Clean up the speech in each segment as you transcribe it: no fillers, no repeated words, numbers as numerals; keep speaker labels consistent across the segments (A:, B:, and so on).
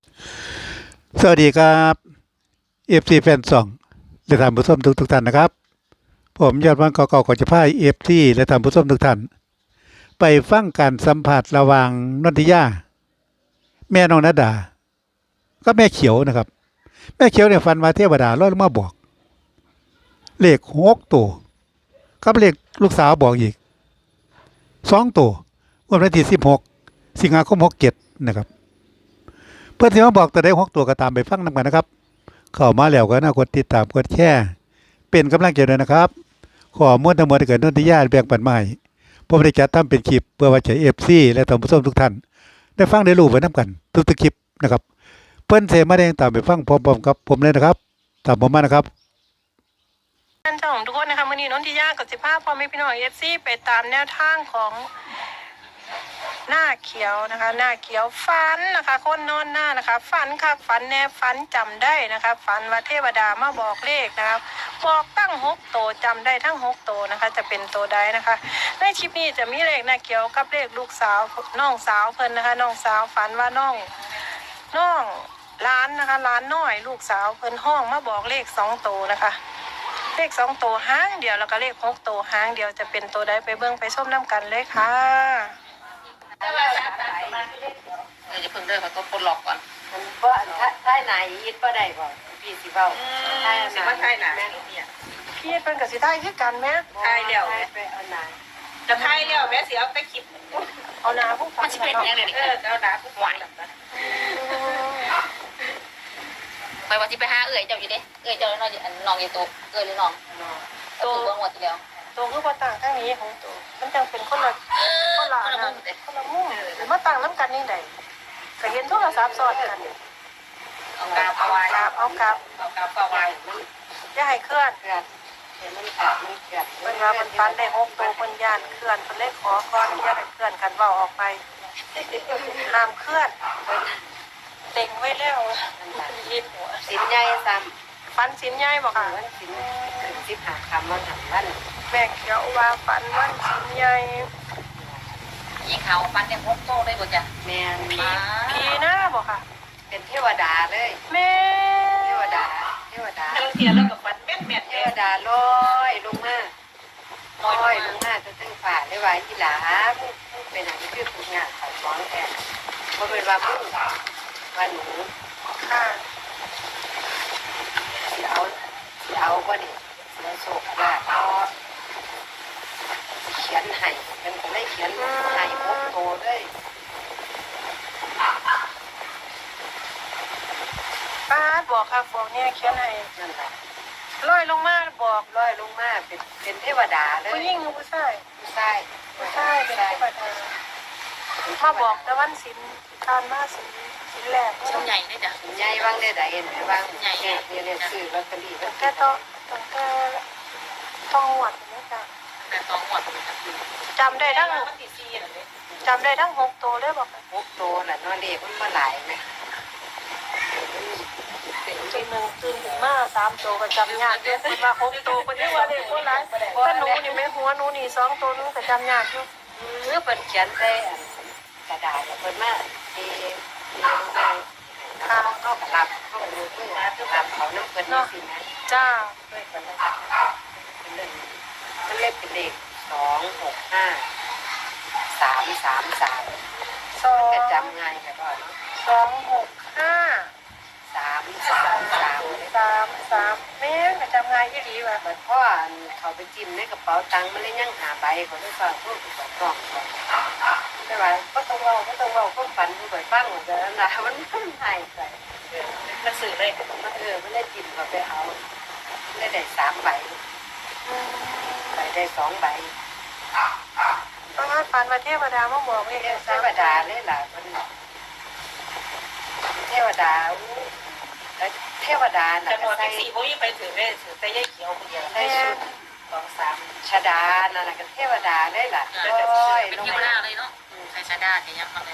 A: สวัสดีครับเอฟซีแฟนซองและท่านผู้ชมทุกท่านนะครับผมยอดวันก่อขอจะพาเอฟซีและท่านผู้ชมทุกท่านไปฟังการสัมผัสระหว่างนนทิยาแม่น้องนาดาก็แม่เขียวนะครับแม่เขียวเนี่ยฝันว่าเทวดาลอยลงมาบอกเลข6 ตัวกับเลขลูกสาวบอกอีก2 ตัววันที่16 สิงหาคม 67นะครับเพื่อนที่มาบอกตัวได้6 ตัวก็ตามไปฟังนำกันนะครับเข้ามาแล้วก็น่ากดติดตามกดแชร์เป็นกำลังใจด้วยนะครับขอมวลทั้งหมดที่เกิดนนทิยาแบ่งปันมาให้ผมได้จัดทำเป็นคลิปเพื่อว่าจะเอฟซีและท่านผู้ชมทุกท่านได้ฟังได้รู้ไปน้ำกันทุกคลิปนะครับเพื่อนเสมาแดงตามไปฟังพร้อมๆกับผมเลยนะครับตามผมมานะครับ
B: ท่านเจ้าของทุกคนนะคะมื่อนี้นนทิยากับสิภาพพอไม่พี่น้องFCไปตามแนวทางของหน้าเขียวนะคะหน้าเขียวฝันนะคะคนนอนหน้านะคะฝันค่ะฝันแน่ฝันจำได้นะคะฝันว่าเทวดามาบอกเลขนะคะบอกตั้ง6 ตัวจำได้ทั้ง6 ตัวนะคะจะเป็นตัวใดนะคะในคลิปนี้จะมีเลขหน้าเขียวกับเลขลูกสาวน้องสาวเพิ่นนะคะน้องสาวฝันว่าน้องร้านนะคะร้านน้อยลูกสาวเพิ่นห้องมาบอกเลข2 ตัวนะคะเลข2 ตัวห้างเดียวแล้วก็เลข6 ตัวห้างเดียวจะเป็นตัวใดไปเบิ่งไปส้มน้ำกันเลยค่ะ
C: จะเพิ่งเดินเขาต้องปลดล็อกก่อน
D: มันบ่ถ้าไหนยิดบ่ได้บ่พี่สิเว้าถ้าสิว่าไทยน่ะเนี่ย
B: พี่เป็นกับสิไทยคือกันแม่
D: ไทยแล้วไปเอาหนา
C: จะไทยแล้วแม่สิเอาไปคลิป
B: เอานาผู้ฟั
C: มั
B: ง
C: นสิเป็นยังไงนี่
D: เอาหนาผู้ไหว
C: ไปว่าที่ไปหาเจ้าอยู่เด้เจ้าน้องน้องอยู่ตัวหรือน้องตัวเบิ่งหมดแล้ว
B: ตัวคือว่าต่างข้างนี้ของตัวมันจังเป็นคนละคนละมุมหรือมาต่างน้ำกันนี่ใดก็เห็นโทรศัพท์ซ้อนกัน
C: เอากาบเอาไว้
B: เอากลับ
C: เอากาบเอาไว้
B: อย่าให้เคลื่อน
D: เกิดเห็นมันขาดมันเกิด
B: เพิ่นว่าเพิ่นฟันได้6 ตัวเพิ่นย่านเคลื่อนเพิ่นเลยขอก่อนอย่าให้เคลื่อนกันเว้าออกไปห้ามเคลื่อนเต็งไว้แล้วยิดหัว
D: สินใหญ่ซ้
B: ฟันสินใหญ่บ่ค่ะ
D: ำมันสิน15คำมันหันวัน
B: แม่เขียวว่าฟันวันสินใหญ่
C: ยิงเขาปันได้6 โตได้บ่จ้ะ
D: แม่น
B: ผีหน้าบ่ค่ะ
D: เป็นเทวดาเลย
B: แม่
D: เทวดา
C: เรื่องเทียนแล้วก็ปันแม่น
D: เทวดาลอยลงมาลอยลงมาจะถึงฝ่าได้ว่าอีหลามึงเป็นอันนี้คือผู้งานเขาฟ้องแทนบ่เป็นว่ามึงว่าหนู
B: ค่ะ
D: เอาบ่ดิแล้วโศกว่าพอเขียนให้เป็นก็เลยเขียนให้6 ตัวเลย
B: ป้าดบอกค่ะบอกเนี่ยเขียนให้
D: นั่นแหละ
B: ลอยลงมาบอก
D: ลอยลงมาเป็นเทวดาเลย
B: ผู้หญิงหรือผู้ชาย
D: ผู้ชาย
B: ผู้ชายเป็นเทวดามาบอกแต่วันศิลการมาศิลแรก
C: ชิ้นใหญ่ได้จ้ะ
D: ใหญ่ว่างได้ใดเห็นไหมว่างใหญ่เนี่ยซื้อลอตเตอรี่
B: ตั้งแต่ต้องหวดนะจ๊ะ
C: แต่2 หมด
B: จำได้ทั้ง
C: มันสิ4น่ะเด้
B: จำได้ทั้ง6 ตัวเลยบอกค่ะ
D: 6 ตัวน่ะเนาะเลขมันมาหลายนะ
B: จนหนึ่งตื่นถึงมา3 ตัวก็จำยากเยอะคนมา6 ตัวคนที่ว่าเด็กคนร้ายถ้าหนูนี่ไม่หัวหนูนี่2 ตัวหนูก็จำยากอยู่
D: เมื่อเพิ่นเขียนใส่กระดาษเพิ่นมาลงมาเขาก็รับเขาก็รู้ว่ารับเขาน้ำเพิ่นนี่สินะ
B: จ้า
D: ด้วยกันนะครับเป็นเรื่องมันเล็กเป็นเด็ก265 333ก็จำง่ายแต่ก็เนาะ
B: 265
D: 333
B: แม่ก็จำง่ายยี่ดีว่ะ
D: บัดพ่อเขาไปจิ้มในกระเป๋าตังค์มันเลยยังหาใบเขาได้ฟังพวกกระเป๋าต้องไม่ไหวก็ต้องเล่าก็ฝันผู้ใหญ่ฟังเหมือนกันนะมันหายไป
C: มันสื่อเลย
D: มันได้จิ้มเขาไปเอาได้3 ใบได้2 ใบ
B: ต้องให้ฟันมาเทวดามาบอกเลย
D: เทวดาเลยล่ะมันเทวดาเทวดา
C: จำนวน
D: ใส่
C: 4บ่ยังไปถือได้ถือแต่ยายเขียวคนเดียว
D: ใส่ชุด2 3ชดานั่นน่ะก็เทวดาเลยล่ะ
C: เป็นเทวดาเลยเนาะใส่ชาดาจะยังมาเลย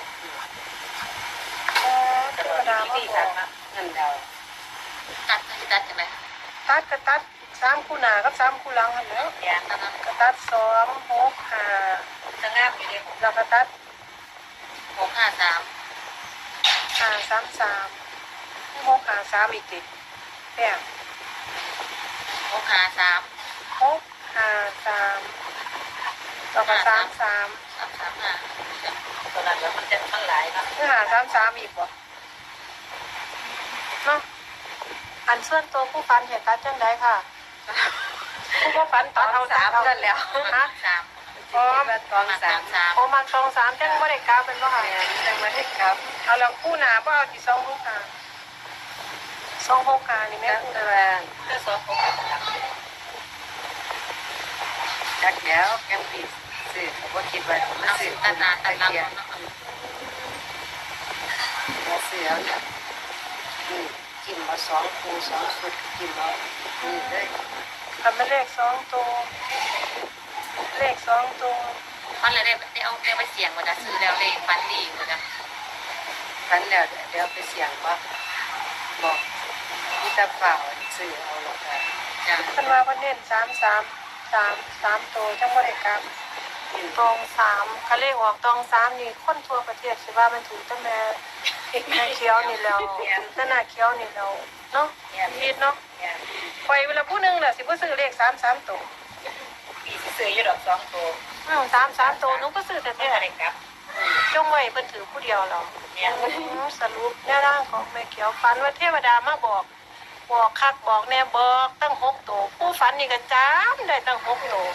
B: เทวดามาบอก
D: นั่นเดา
C: ตัดจังได๋
B: ตัดก็ตัด3 คู่หน้ากับ3 คู่หลังหั่นแหล้ว
C: แกนนั่นน่ะ
B: ก็ตัด2 6 5
C: จะงามอยู่เด้
B: แล้วก็ตัด
C: 653
B: 533 653อีกติแป้ง
C: 653
B: 653แล้วก็33
C: 335ตัวนั้นแล้วมันหลายเนาะ
B: คือ533อีกบ่เนาะอันส่วนตัวผู้ฟันเห็นตัดจังไดค่ะผู้บ่ฟันตัดเอา
D: 3
B: เอา
D: นั่นแล้ว
B: ฮะ
C: 3
D: พร้อมตอง3
B: โอ้มัน23จังบ่ได้กราฟเป็นบ่ค่ะ
D: แม่นจังมาได้ครับ
B: เอาแล้วคู่หน้าบ่เอาที่265นี่แม่
D: จัก
B: คู่ห
D: ตั
B: น้าว
C: ก็สอบ6
D: จักแล้วแกงปีซื้อก็บ่คิดว่ามัน
C: เอา
D: ซื้อ
C: ตัดหน้าตัดหลัง
D: เนาะ
C: เนาะ
D: มาซื้อเอาเนี่ยนี่กินมา2คู่2ชุดกินเอานี่เลย
B: ทำเป็นเลข2ตัวเลข2ตัว
C: ฟันเลยได้เอาไปเสี่ยงว่าจะซื้อแล้วเลยฟันดีว่าจะ
D: ทันแล้วเดี๋ยวไปเสี่ยงบ่บอกที่ตาเปล่าซื้อเอาหรอกค่ะ
C: จะ
B: เพิ่นว่าเพิ่นเน้น3 ตัวจังบ่ได้กราฟ
D: กิน
B: ตอง3คันเลขออกตอง3นี่คนทั่วประเทศสิว่ามันถูกตั้งแต่แม่เขียวนี่แล้วนั่นน่ะเขียวนี่แล้วเนาะผิดเนาะ
D: เนี่ย
B: ไปเวลาผู้หนึงน่ะสิบ่ซื้อเลข3 ตัว
C: ปีซื้ออยู่ดอก2ตัว
B: 3 ตัวหนูก็ซื้อแต่แท้
C: อะไรครับ
B: จงไว้เพิ่นถือผู้เดียวแล้ว
C: เนี่ย
B: สรุปแนวทางของแม่เขียวฝันว่าเทวดามาบอกคักบอกแน่บอกตั้ง6ตัวผู้ฝันนี่ก็จำได้ตั้ง6ตัว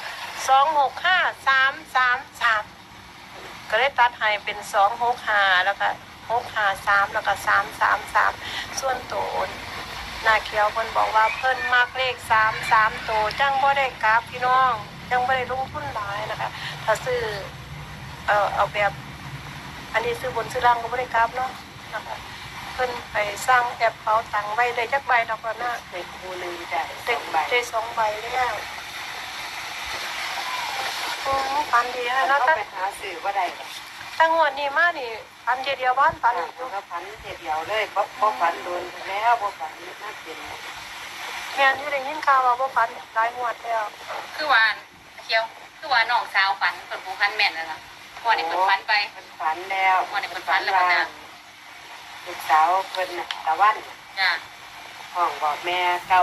B: 265 333ก็ได้ตัดให้เป็น265แล้วก็653แล้วก็333ส่วนตัวหน้าเขียวเพิ่นบอกว่าเพิ่นมักเลข33ตัวจังบ่ได้กราฟพี่น้องจังบ่ได้ลงทุนหลายนะคะถ้าซื้อเอาแบบอันนี้ซื้อบนซื้อล่างก็บ่ได้กราฟเนาะนะคะเพิ่นไปสร้างแอปเป๋าตังค์ไว้ได้จักใบดอกว่าน่ะ
D: ในคู่หนึงได้
B: ได้
D: 2
B: 2ใบแล้วปันดีนะ
D: เรา
B: เนาะ
D: ไปหาซื้อบ่ได้หรอก
B: ตั้งงวดนี้มานี่ปันเดียวบ้านปันอีกอยู่
D: ก็พันเดียวเลยบ่พันโดนแล้วบ่พันน่าเป็น
B: แม่นอยู่ได้ยินข่าวว่าบ่ปันหลายงวดแล้ว
C: คือว่าเคี้ยวคือว่าน้องสาวฝันเปิดผู้พันแม่นแล้วล่ะพอนี่เปิดฝันไป
D: มันฝันแล้ว
C: วันนี้เพิ่นฝันแล้วนะ
D: ลูกสาวเพิ่นน่ะตะวัน
C: จ้ะ
D: ห้องบอกแม่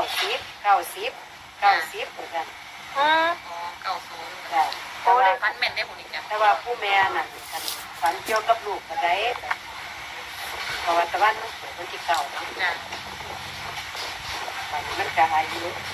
D: 90เหมือนกัน
B: อืม
C: อ๋อ90
D: จ้ะ
B: โอ้
D: แต่
B: ได้
D: ว่า
C: ฝันแม่นได้บุญอีกจ้ะ
D: แต่ว่าผู้แม่น่ะฝันเกี่ยวกับลูกก็ได้เพราะว่าตะวันมันเกิดวันที่9เนาะ
C: จ้ะ
D: ฝันมันก็อายุ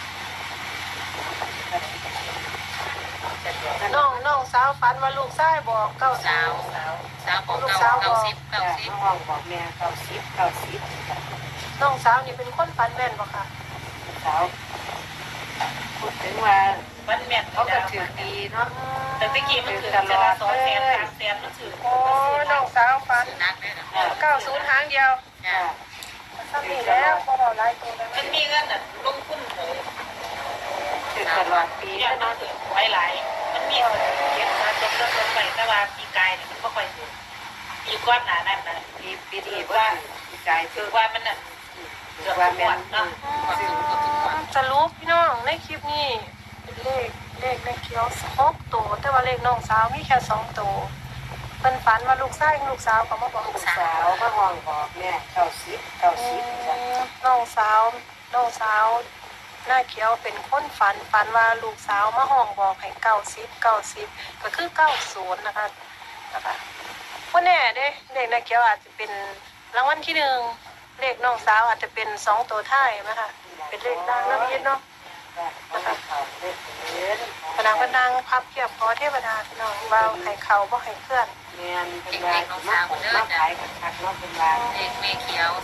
B: น้องสาวฝันว่าลูกชายบอกเก้า
C: สาวบอก90
D: จ้ะ
C: 90
D: ห้องบอกแม่90
B: น้องสาวนี่เป็นคนฝันแม่นบ่ค่ะ
D: ลูกสาวพูดถึงว่า
E: มันแม่น
D: เขาก็ถือดีเนาะ
E: แต่ตะกี้มันถือจะละ200,000 300,000มันถือ
B: โอ้น้องสาวฝัน
C: สุนัขด้วยนะ
B: 90หางเดียว
C: จ้ะ
B: ซ้ำนี่แล้วบ่เอาหลายตัวแล้ว
E: มันมีเงินน่ะลงทุนเลย
D: ถือตลอดปี
E: เนี่ย
D: แล้ว
E: มัน
D: เนาะ
E: ถือไว้หลายมันมีคนเก็บมาจนลดไปแต่ว่าปีกายเนี่ยมันบ่ค่อยถือปีก้อนหนานั่นน่ะ
D: ปีนี้ว่าปีกาย
E: คื
D: ถื
E: อ
D: อ
E: ว่ามันน่ะ
D: ถือว่าแม่น
E: เนาะ
B: สรุปพี่น้องในคลิปนี้เป็นเลขแม่เขียว6ตัวแต่ว่าเลขน้องสาวมีแค่2ตัวเพิ่นฝันว่าลูกชายกับลูกสาวก็มาบอก
D: ลูกสาวก็ห้องบอกแม่90จ้ะ
B: น้องสาวหน้าเขียวเป็นคนฝันว่าลูกสาวมาห้องบอกให้90ก็คือ90นะคะว่าแน่เด้เลขหน้าเขียวอาจจะเป็นรางวัลที่1เลขน้องสาวอาจจะเป็น2ตัวท้ายนะคะเป็นเลขดังนะพี่เนาะ
D: นะคะเขาเล่นเล่น
B: พนังก็นั่งพับเพียบขอเทวดาพี่น้องเบาให้เขาบ่ให้เคลื่อน
D: แม่นเป็นว่ามาขายกับคักเนาะเป็นว่า
C: เลขแม่เขียว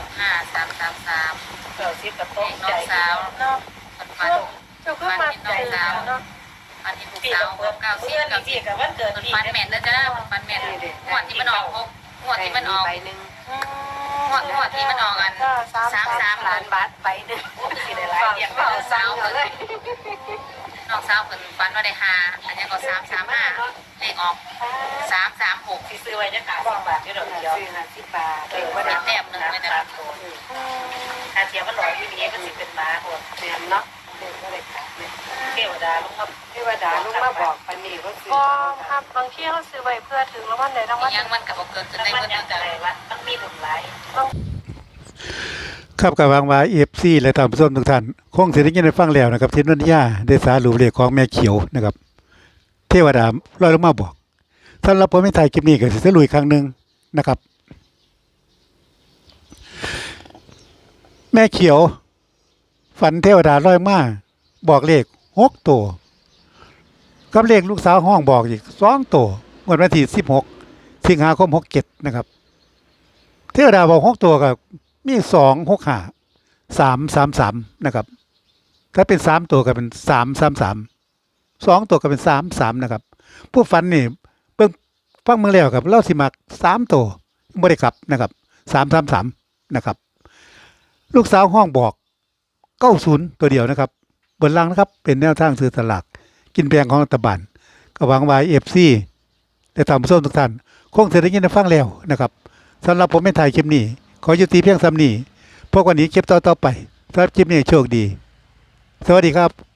C: 265333
E: 90กับโต๊ะ
C: น้อ
E: ใจ
C: งสาว
B: เนาะ
C: ฝัน
B: เจ้าคือมาใจเนาะ
C: ฝันที่ลูก
E: ปี
C: สาว
E: กับเปิด
C: 90
E: เพื่อนนี่พี่กับวันเกิดพี่
C: ฝันแม่นนะจ้ะฝันแม่นงวดที่มันออกงวดที่มันออก
D: ใบนึง
C: งวดที่มันออกอัน33
D: ล้านบาทใบนึง
E: สิได้หลายอย่าง
C: น้องสาวเพิ่นน้องสาวเพิ่นฝันว่าได้5อันนี้ก็335เลขออก336
E: สิซื้อไว้จะขาย10 บาทอยู่ดอกเดียว
D: ซื้อ50 บาท
E: ว่าได้ถ้าเทียมมันหล่ออยู่นี้มันสิเป็นม้าโหด
D: แม่นเนาะเด็กก็เลยกลับเนี่ย
E: เทวดาลงมา
D: เทวดาลงมาบอกปานนี้ว่าซื้อ
B: ก็ครับบางที่เขาซื้อไว้เพื่อถึงรางวัลใดรางวัลห
C: ยั
B: นึ่
C: ง
B: ง
C: มันกับเกิดขึ้น
E: แล้ว
C: ใน
E: มัน
C: เมื่อ
E: ยัง
C: แต่
E: อะไรวะมันมีบุญหลาย
A: ครับกับวางวาFC และท่านผู้ชมทุกท่านคงสิได้ยินได้ฟังแล้วนะครับที่นนทยาได้สารุปเลขของแม่เขียวนะครับ เทวดาลอยลงมาบอกสำหรับผมไม่ถ่ายคลิปนี้ก็สิสรุปอีกครั้งหนึงนะครับ แม่เขียว ฝันเทวดาลอยมาบอกเลข6ตัวกับเลขลูกสาวห้องบอกอีก2ตัวงวดวันที่16สิงหาคม67นะครับ เทวดาบอก6ตัวกับมี2 6 5 3 3 3นะครับ ถ้าเป็น3ตัวก็เป็น3 3 3 2ตัวก็เป็น3 3นะครับ ผู้ฝันนี่เบิ่งฟังเมืองแล้วครับเราสิมัก3ตัวบ่ได้กลับนะครับ3 3 3นะครับ ลูกสาวห้องบอก90ตัวเดียวนะครับบนล่างนะครับเป็นแนวทางซื้อสลากกินแบ่งของรัฐบาลก็หวังว่า FC ได้ตามผู้ชมทุกท่านคงจะได้ยินได้ฟังแล้วนะครับสำหรับผมไม่ถ่ายคลิปนี้ขอยุติเพียงซ้ำนี้พวกวันนี้คลิปต่อไปสำหรับคลิปนี้โชคดี สวัสดีครับ